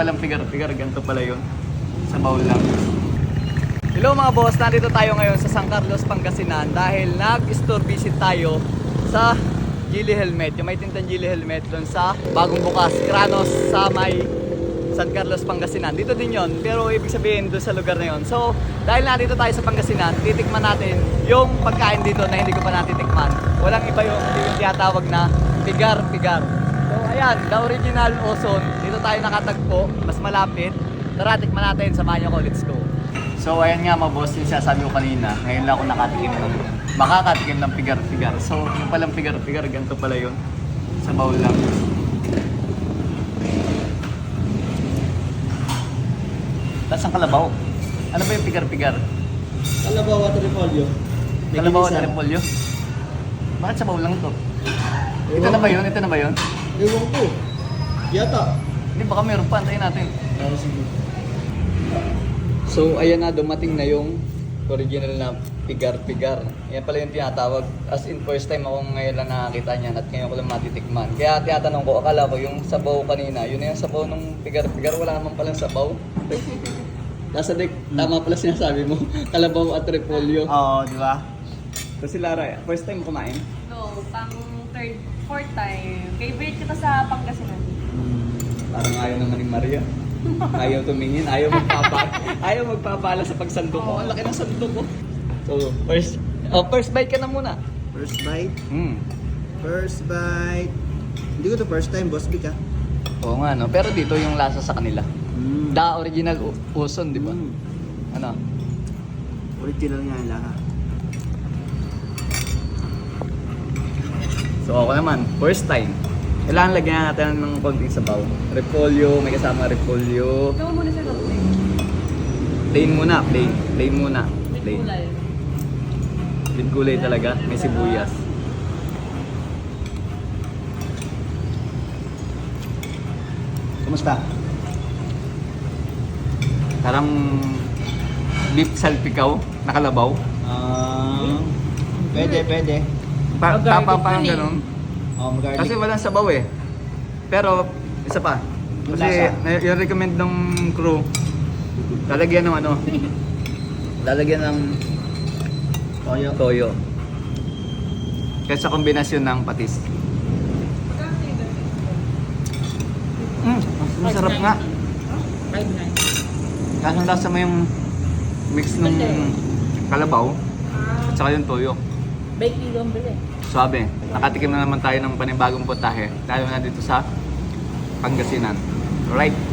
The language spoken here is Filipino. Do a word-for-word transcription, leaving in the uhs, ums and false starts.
palang pigar-pigar, ganito pala yun. Sa bowl lang. Hello mga boss, nandito tayo ngayon sa San Carlos, Pangasinan dahil nag-store visit tayo sa Geely Helmet, yung may tintang Geely Helmet doon sa bagong bukas, Kranos sa may San Carlos, Pangasinan. Dito din yon, pero ibig sabihin doon sa lugar na yon. So, dahil nandito tayo sa Pangasinan, titikman natin yung pagkain dito na hindi ko pa natitikman. Walang iba yung, yung tinatawag na pigar-pigar. So, ayan, the original Ozone. Dito tayo nakatagpo, mas malapit. Tara, tikman natin, samahan niyo ko, let's go. So, ayan nga mga boss, yung sinasabi ko kanina, ngayon lang ako nakatikim ng, makakatikim ng pigar-pigar. So, yung palang pigar-pigar, ganito pala yun. Sa bowl lang. Tapos ang kalabaw. Ano ba yung pigar-pigar? Kalabaw at repolyo. Kalabaw at repolyo? Bakit sa bowl lang to? Ito na ba yun? Ito na ba yun? Ewan ko. Yata. Hindi, baka meron pa. Antayin natin. Ah, sige. So, ayan na, dumating na yung original na pigar-pigar. Yan pala yung tinatawag. As in, first time akong ngayon lang nakakita niyan at ngayon ko lang matitikman. Kaya tinatanong ko, akala ko yung sabaw kanina, yun na yung sabaw ng pigar-pigar. Wala naman palang sabaw. Nasa deck, tama pala sinasabi mo. Kalabaw at repolyo. Oo, di ba? So si Lara, first time mo kumain? No, pang third, fourth time. Favorite kita sa Pangasinan. Parang ayaw naman ni Maria. Ayaw tumingin, ayaw magpapala, ayaw magpapala sa pagsandok ko. Ang laki ng sandok ko. So, first, oh, first bite ka na muna. First bite. Hmm. First bite. Hindi ko to first time, boss Vic ah. Oo nga no, pero dito yung lasa sa kanila. Mm. Da original Ozone, di ba? Mm. Ano? Original nga yung lahat. So ako naman, first time. Kailangan lagyan natin ng konting sabaw. Repolyo, may kasama repolyo. Ito mo muna sa kape. Plain muna, plain. Plain muna. May Plain. kulay. With gulay talaga, may sibuyas. Kumusta? Parang beef salpikaw, nakalabaw. Ah, pwede, pwede. Pa tapa parang ganun. Oh, garlic. Kasi walang sabaw eh. Pero, isa pa. Yung Kasi lasa. na- yung recommend ng crew, lalagyan ng ano, lalagyan ng Toyo. toyo. Kaya sa kombinasyon ng patis. Mm, masarap nga. five nine. Kaso lasa mo yung mix ng kalabaw at saka yung toyo. Bake kilo ang bili. Sabi, nakatikim na naman tayo ng panibagong putahe. Tayo na dito sa Pangasinan. Right?